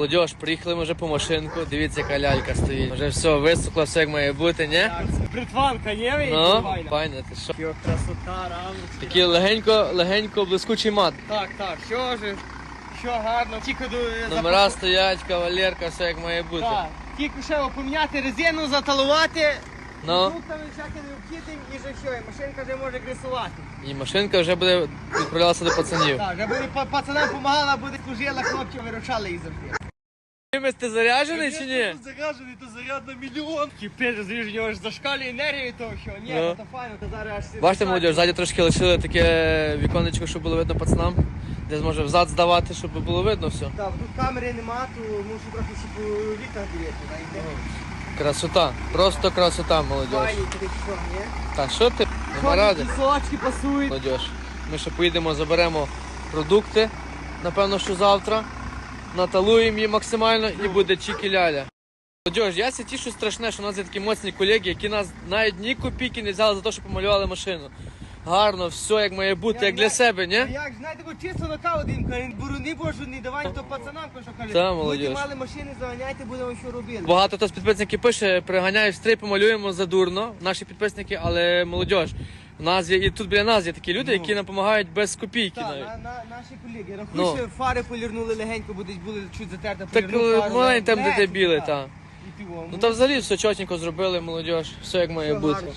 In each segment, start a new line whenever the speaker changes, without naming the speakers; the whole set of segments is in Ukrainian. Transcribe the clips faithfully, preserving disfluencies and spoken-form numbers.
Молодіж, приїхали ми вже по машинку, дивіться, яка лялька стоїть. Вже все висохло, все як має бути, ні?
Так, бритванка, не?
Ну, файно, ти що?
Йо, красота, рамочки.
Такий легенько, легенько блискучий мат.
Так, так, що ж, що гарно. Тільки до...
Номера стоять, кавалерка, все як має бути.
Так, тільки ще поміняти резину, заталувати.
Ну,
Тут там всяке необхідне і вже все, і машинка вже може гресувати.
і машинка вже буде відправлятися до пацанів.
Так, вже буде па- пацанам допомагала, буде служила, хлопці виручали їх завжди.
Чимось ти заряджений чи ні?
Заряджений, то заряд на мільйон. Кипиш, звіж, у нього ж зашкалює енергію того, що ні,
Ну.
то файно, то зараз аж...
Бачите, молодіж, ззаді трошки лишили таке віконечко, щоб було видно пацанам. Десь може взад здавати, щоб було видно все.
Так, тут камери нема, то мушу трохи ще по вікнах дивитися, знаєте.
Красота, просто красота, молодіж.
Файні, такі що, ні?
Та що ти? Нема ради.
Сочки пасують.
Молодіж. Ми ще поїдемо, заберемо продукти, напевно, що завтра. Наталуємо її максимально і буде чікі-ляля. Молодіж, я ся тішу страшне, що у нас є такі моцні колеги, які нас навіть ні копійки не взяли за те, що помалювали машину. Гарно, все як має бути, як для себе,
А
ні?
як, знаєте, бо чисто на каву дим, каже, буруни божу, не давай то пацанам, що каже.
Та, молодіж.
Будете мали машини, заганяйте, будемо що робити.
Багато хто з підписників пише, приганяє в стрій, помалюємо задурно, наші підписники, але молодіж. У нас є, і тут біля нас є такі люди,
Ну.
які нам допомагають без копійки
Так,
навіть.
на, на, наші колеги. Рахуй,
Ну.
що фари полірнули легенько, будуть були чуть затерти,
Так
полірнув фару,
маленький там, де
легенько,
де біле,
так.
та.
І півом.
Ну та взагалі все чотенько зробили, молодіж, все як має
Все
бути.
гарно.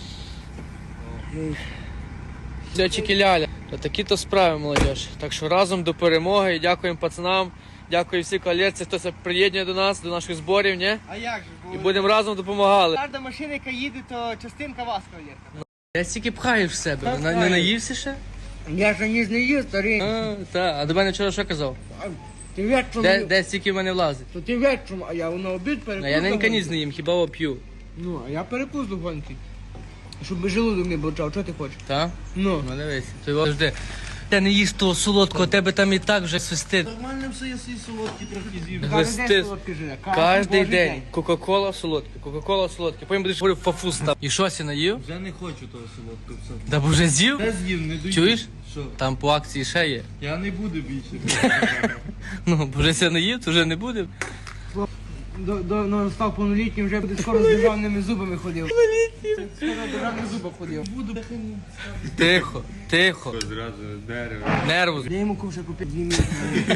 Все чікі-ляля. Та такі то справи, молодіж. Так що разом до перемоги і дякуємо пацанам, дякую всій коаліції, хто се приєднує до нас, до наших зборів, ні?
А як же? бо-
І будемо разом допомагали.
Кожна машина, яка їде, то частинка вас, кавалерка.
Я стільки пхаєш в себе,
Так,
не, не
пхаю.
наївся ще?
Я ж ніж не їв, старий.
А, та, а до мене вчора що казав?
Ти вечором,
Де, де стільки в мене влазить?
то ти вечором, а я на обід
А
перепустив.
я ненька ніс не їм, хіба оп'ю.
Ну, а я перепустив гонки. Щоб желудок не бочав, що ти хочеш?
Та?
Ну.
Ну дивись, ти його жди. Ти не їж того солодкого, тебе там і так вже свистить.
Нормально все, я свої солодкі трохи з'їв.
Кожен день солодкий живе.
Кожний
божий
день. Кока-кола солодке, Кока-кола солодке. Потім будеш говорити фафу став. І що сі наїв?
Вже не хочу того солодкого. Все.
Да б вже з'їв?
Та з'їв, не доїв.
Чуєш?
Що?
Там по акції ще є.
Я не буду більше.
Ну, бо вже ся наїв, то вже не буде.
До, до, ну, став повнолітнім, вже буде скоро з державними зубами ходив. Повнолітнім? Скоро з державними зубами ходив.
Буду.
Тихо, тихо.
Зразу дерево.
Нерву.
Я йому купив купити дві місяці.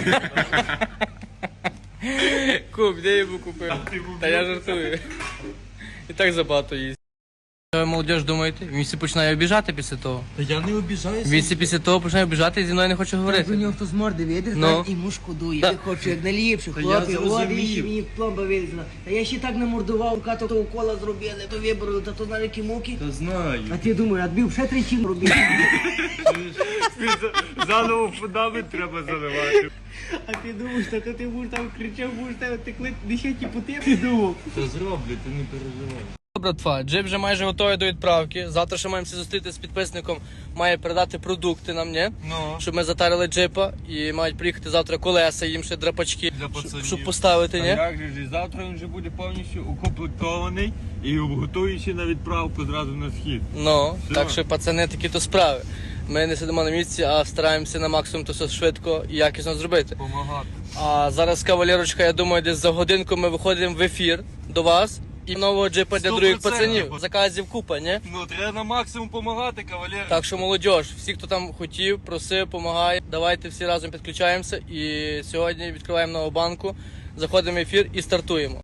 Куп, де я йому купив? Та я жартую. І так забагато їсть. Що ви, молодіж, думаєте? Він всі починає обіжати після того.
Та я не обіжаюся.
Він всі після того починає обіжати і зі мною не хоче
Про
говорити.
нього хто з морди видиш,
Ну.
так, і йому шкодує.
Та-
Ти хочеш як найліпше,
Та я
хлопці, о,
зрозумів.
дивіться, мені пломба вилізла. Та я ще так намордував, като то укола зробили, то вибрали, та то на які муки.
Та знаю.
А ти думаєш, а тобі ще тричі робити.
Заново фундамент треба заливати.
А ти думаєш, та то ти будеш там кричав, будеш там текли, ще ті по ти думав.
Та зроблю, ти не переживай.
Братва, джип вже майже готовий до відправки. Завтра ще маємо зустріти з підписником, має передати продукти нам, ні?
Ну.
Щоб ми затарили джипа і мають приїхати завтра колеса, їм ще драпачки,
Для
щоб,
пацанів.
щоб поставити,
А
ні?
як же ж, завтра він вже буде повністю укомплектований і готуючий на відправку зразу на схід.
Ну,
Все.
так що пацани такі то справи. Ми не сидимо на місці, а стараємося на максимум то все швидко і якісно зробити.
Помагати.
А зараз, кавалерочка, я думаю, десь за годинку ми виходимо в ефір до вас і нового джипа для
Сто
других
процентів.
пацанів. Заказів купа, ні?
Ну, треба на максимум допомагати, кавалер.
Так що молодіж, всі, хто там хотів, просив, помагає, давайте всі разом підключаємося і сьогодні відкриваємо нову банку, заходимо в ефір і стартуємо.